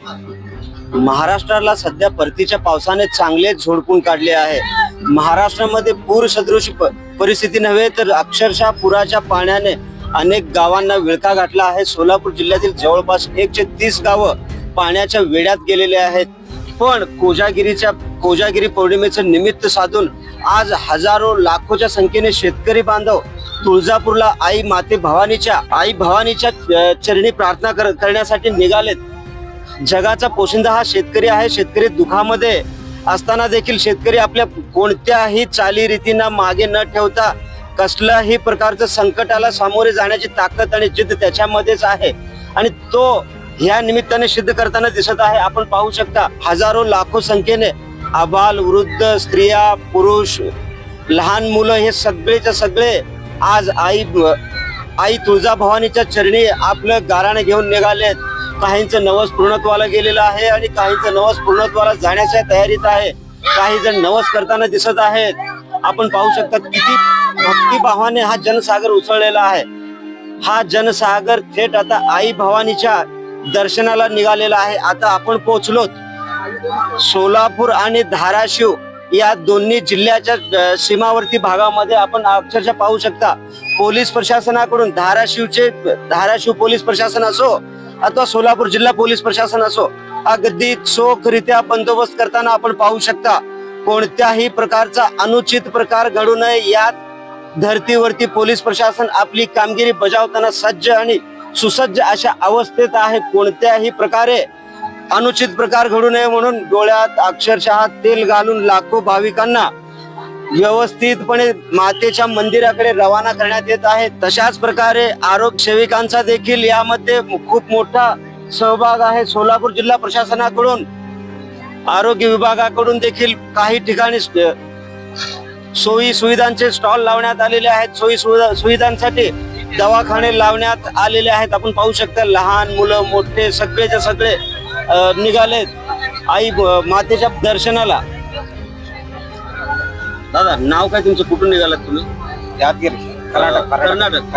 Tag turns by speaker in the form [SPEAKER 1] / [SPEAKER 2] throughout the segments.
[SPEAKER 1] महाराष्ट्राला सध्या परतीच्या पावसाने चांगलेच झोडपून काढले आहे। महाराष्ट्रामध्ये पूर सदृश परिस्थिती नव्हे तर अक्षरशः पुराच्या पाण्याने अनेक गावांना विळखा घातला आहे। सोलापूर जिल्ह्यातील जवळपास 130 गावं पाण्याच्या वेढ्यात गेलेले आहेत। पण कोजागिरी पौर्णिमेचं निमित्त साधून आज हजारो लाखोच्या संख्येने शेतकरी बांधव तुळजापूरला आई भवानीच्या चरणी प्रार्थना करण्यासाठी निघालेत। जगाचा पोशिंदा हा शेतकरी आहे। शेतकरी दुःखामध्ये असताना देखील शेतकरी आपल्या कोणत्याही चालीरीतींना मागे न ठेवता कसल्याही प्रकारचं संकटाला सामोरे जाण्याची ताकद आणि जिद्द त्याच्यामध्येच आहे आणि तो ह्या निमित्ताने सिद्ध करताना दिसत आहे। आपण पाहू शकता हजारो लाखो संख्येने आबाल वृद्ध स्त्रिया पुरुष लहान मुलं हे सगळेच्या सगळे आज आई तुळजाभवानीच्या चरणी आपलं गाराणे घेऊन निघालेत। काहींचं नवस पूर्णत्वाला गेलेलं आहे आणि काहींचं नवस पूर्णत्वाला जाण्याच्या तयारीत आहे। काही जण नवस करताना दिसत आहेत। आपण पाहू शकता किती भक्तिभावाने हा जनसागर उसळलेला आहे। हा जनसागर थेट आता आई भवानीच्या दर्शनाला निघालेला आहे। आता आपण पोहोचलोत सोलापूर आणि धाराशिव या दोन्ही जिल्ह्याच्या सीमावर्ती भागामध्ये। आपण अक्षरशः पाहू शकता पोलीस प्रशासनाकडून धाराशिव पोलीस प्रशासन असो अथवा सोलापूर जिल्हा पोलीस प्रशासन असो अगदी चोखरित्या बंदोबस्त करताना आपण पाहू शकता कोणत्याही प्रकारचा अनुचित प्रकार घडू नये यात धर्तीवरती पोलीस प्रशासन आपली कामगिरी बजावताना सज्ज आणि सुसज्ज अशा अवस्थेत आहे। कोणत्याही प्रकारे अनुचित प्रकार घडू नये म्हणून डोळ्यात अक्षरशः तेल घालून लाखो भाविकांना व्यवस्थितपणे मातेच्या मंदिराकडे रवाना करण्यात येत आहे। तशाच प्रकारे आरोग्य सेविकांचा देखील यामध्ये खूप मोठा सहभाग आहे। सोलापूर जिल्हा प्रशासनाकडून आरोग्य विभागाकडून देखील काही ठिकाणी सोयी सुविधांचे स्टॉल लावण्यात आलेले आहेत। सोयी सुविधांसाठी दवाखाने लावण्यात आलेले आहेत। आपण पाहू शकता लहान मुलं मोठे सगळेच्या सगळे निघालेत आई मातेच्या दर्शनाला। दादा नाव काय तुमचं, कुठून निघालात तुम्ही?
[SPEAKER 2] यादगिरी
[SPEAKER 1] कर्नाटक।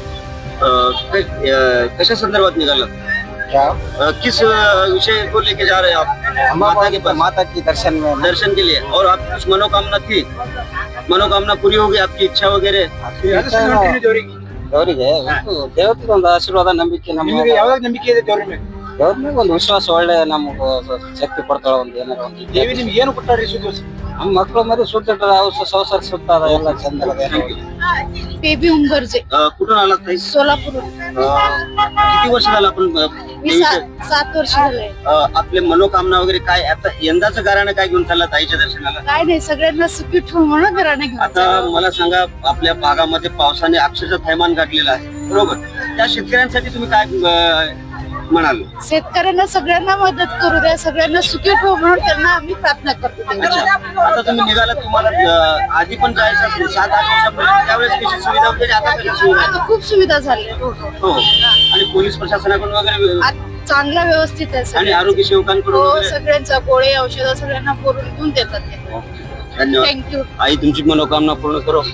[SPEAKER 1] कशा संदर्भात निघालात? किस विषय को लेके जा रहे हैं आप?
[SPEAKER 2] माता की
[SPEAKER 1] दर्शन के लिए। और आप कुछ मनोकामना थी, मनोकामना पूरी होगी आपकी इच्छा वगैरह?
[SPEAKER 2] ದೇವರಿಗೆ ದೇವತೆಗೆ ಒಂದು ಆಶೀರ್ವಾದ ನಂಬಿಕೆ
[SPEAKER 3] ಯಾವಾಗ ನಂಬಿಕೆ ಇದೆ ದೇವ್ರ ಮೇಲೆ?
[SPEAKER 2] ದೇವ್ರ ಮೇಲೆ ಒಂದು ವಿಶ್ವಾಸ ಒಳ್ಳೆ ನಮ್ಗೆ ಶಕ್ತಿ ಕೊಡ್ತಾಳ ಒಂದು ಏನಾರ ಒಂದು
[SPEAKER 3] ದೇವಿ ನಿಮ್ಗೆ ಏನು ಕೊಟ್ಟಾರಿ ಸುದ್ದಿ?
[SPEAKER 2] ನಮ್ಮ ಮಕ್ಕಳು ಮರಿ ಸುತ್ತ ಸಂಸಾರ ಸುತ್ತ ಎಲ್ಲ ಚಂದ
[SPEAKER 4] बेबी उंबरजे
[SPEAKER 1] कुठून आलात ताई?
[SPEAKER 4] सोलापूर।
[SPEAKER 1] किती वर्ष झालं आपण
[SPEAKER 4] मी 7 वर्ष झाले।
[SPEAKER 1] आपले मनोकामना वगैरे काय आता यंदाचं गाराणं काय घेऊन चालला ताईच्या दर्शनाला?
[SPEAKER 4] काय नाही सगळ्यांना सुखी ठेवू म्हणून घराने घेऊन
[SPEAKER 1] आता मला सांगा आपल्या भागामध्ये पावसाने अक्षरशः थैमान गाठलेलं आहे बरोबर, त्या शेतकऱ्यांसाठी तुम्ही काय म्हणाल?
[SPEAKER 4] शेतकऱ्यांना सगळ्यांना मदत करू द्या, सगळ्यांना सुखी ठेवू म्हणून त्यांना आम्ही प्रार्थना करतो।
[SPEAKER 1] अच्छा, आता तुम्ही निघाला तुम्हाला आधी पण जायचं असेल 7-8 वर्षापर्यंत, त्यावेळेस कशी सुविधा होती आणि आता कशी सुविधा आहे?
[SPEAKER 4] आता खूप सुविधा झाल्या
[SPEAKER 1] हो आणि पोलीस प्रशासनाकडून वगैरे
[SPEAKER 4] चांगला व्यवस्थित आहे
[SPEAKER 1] आणि
[SPEAKER 4] सगळं।
[SPEAKER 1] आरोग्य सेवकांकडून
[SPEAKER 4] हो
[SPEAKER 1] वगैरे?
[SPEAKER 4] सगळ्यांचा गोळे औषध सगळ्यांना पुरवून घेऊन देतात ते।
[SPEAKER 1] धन्यवाद।
[SPEAKER 4] थँक्यू।
[SPEAKER 1] आई तुमची मनोकामना पूर्ण करो।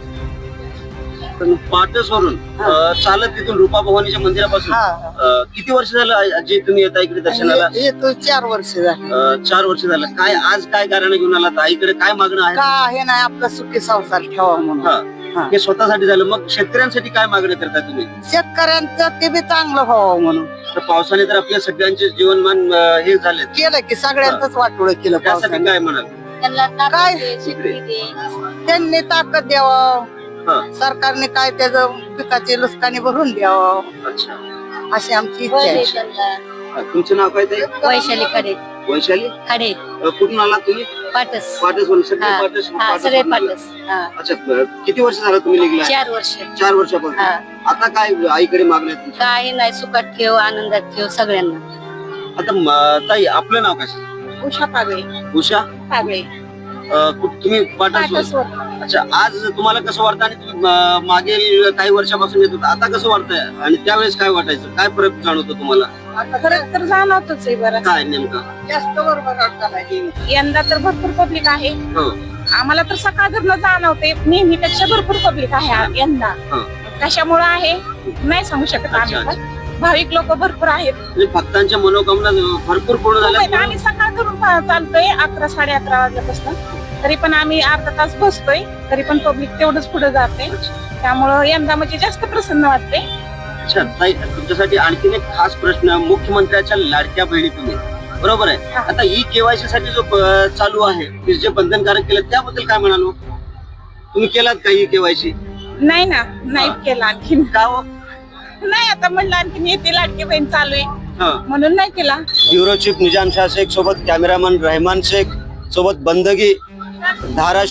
[SPEAKER 1] पाटसवरून चालत तिथून रूपा भवानीच्या मंदिरापासून किती वर्ष झालं आजी तुम्ही येता इकडे दर्शनाला?
[SPEAKER 5] येतो 4 वर्ष झाली।
[SPEAKER 1] 4 वर्ष झालं। काय आज काय कारण घेऊन आला? आईकडे काय मागणं आहे?
[SPEAKER 5] काय नाही आपला सुखी संसार ठेवा म्हणून।
[SPEAKER 1] हे स्वतःसाठी झालं, मग शेतकऱ्यांसाठी काय मागणी करता तुम्ही?
[SPEAKER 5] शेतकऱ्यांचं ते बी चांगलं व्हावं म्हणून।
[SPEAKER 1] तर पावसाने तर आपल्या सगळ्यांचे जीवनमान हे झाले,
[SPEAKER 5] केलं की सगळ्यांचंच वाटोळं केलं
[SPEAKER 1] त्यासाठी
[SPEAKER 5] पावसाने।
[SPEAKER 1] काय म्हणाल?
[SPEAKER 5] काय त्यांनी ताकद द्यावं, सरकारने काय त्याचं पिकाची नुकसानी भरून द्यावं
[SPEAKER 1] अच्छा,
[SPEAKER 5] अशी आमची इच्छा आहे।
[SPEAKER 1] तुमचं नाव काय ताई?
[SPEAKER 4] वैशाली खडे।
[SPEAKER 1] वैशाली
[SPEAKER 4] खडे
[SPEAKER 1] कुठून आला तुम्ही?
[SPEAKER 4] पाटस।
[SPEAKER 1] पाटसवरून सगळे
[SPEAKER 4] सगळे
[SPEAKER 1] पाटसवरून आले.
[SPEAKER 4] पाटस।
[SPEAKER 1] अच्छा, किती वर्ष झालं तुम्ही निघला?
[SPEAKER 4] 4 वर्ष।
[SPEAKER 1] 4 वर्षापासून। आता काय आईकडे मागणी आहे तुमची?
[SPEAKER 4] काही नाही, सुखात ठेव आनंदात ठेव सगळ्यांना।
[SPEAKER 1] आता ताई आपलं नाव काय?
[SPEAKER 4] उषा पागळे।
[SPEAKER 1] उषा
[SPEAKER 4] पागळे
[SPEAKER 1] तुम्ही पाटसवर? अच्छा, आज तुम्हाला कसं वाटतं आणि तुम्ही मागील काही वर्षापासून येत होता, आता कसं वाटतंय आणि त्यावेळेस काय वाटायचं? काय फरक जाणवतो तुम्हाला?
[SPEAKER 6] फरक तर जाणवतोच आहे बरं।
[SPEAKER 1] काय नेमका?
[SPEAKER 5] जास्त बरोबर वाटतं।
[SPEAKER 6] यंदा तर भरपूर पब्लिक आहे।
[SPEAKER 1] हो
[SPEAKER 6] आम्हाला तर सकाळधरनं जाणवते, नेहमीपेक्षा भरपूर पब्लिक आहे यंदा। कशामुळे आहे नाही सांगू शकत आम्ही पण। भाविक लोक भरपूर आहेत.
[SPEAKER 1] म्हणजे भक्तांच्या मनोकामना भरपूर पूर्ण
[SPEAKER 6] खूप आहेत.
[SPEAKER 1] झाल्या.
[SPEAKER 6] आम्ही सकाळ करून चालतोय 11 साडे 11 वाजल्यापासून. तरी पण आम्ही अर्धा तास बसतोय, तरी पण पब्लिक तेवढंच पुढे जाते. त्यामुळं यंदा म्हणजे जास्त प्रसन्न वाटते.
[SPEAKER 1] अच्छा ताई, तुमच्यासाठी आणखीन एक खास प्रश्न. मुख्यमंत्र्याच्या लाडक्या बहिणी तुम्ही, बरोबर आहे.
[SPEAKER 6] हा.
[SPEAKER 1] आता ई केवायसी साठी जो चालू आहे ते जे बंधनकारक केलं त्याबद्दल काय म्हणालो? तुम्ही केलात का ई केवायसी?
[SPEAKER 6] नाही ना, नाही केलं आणखीन.
[SPEAKER 1] का हो?
[SPEAKER 6] नाही, आता म्हणलं आणखीन येते लाडकी बहीण चालू आहे
[SPEAKER 1] हा.
[SPEAKER 6] म्हणून नाही केला.
[SPEAKER 1] ब्युरो चीफ निजाम शाह शेख सोबत कॅमेरामन रहमान शेख सोबत बंदगी धाराशिव.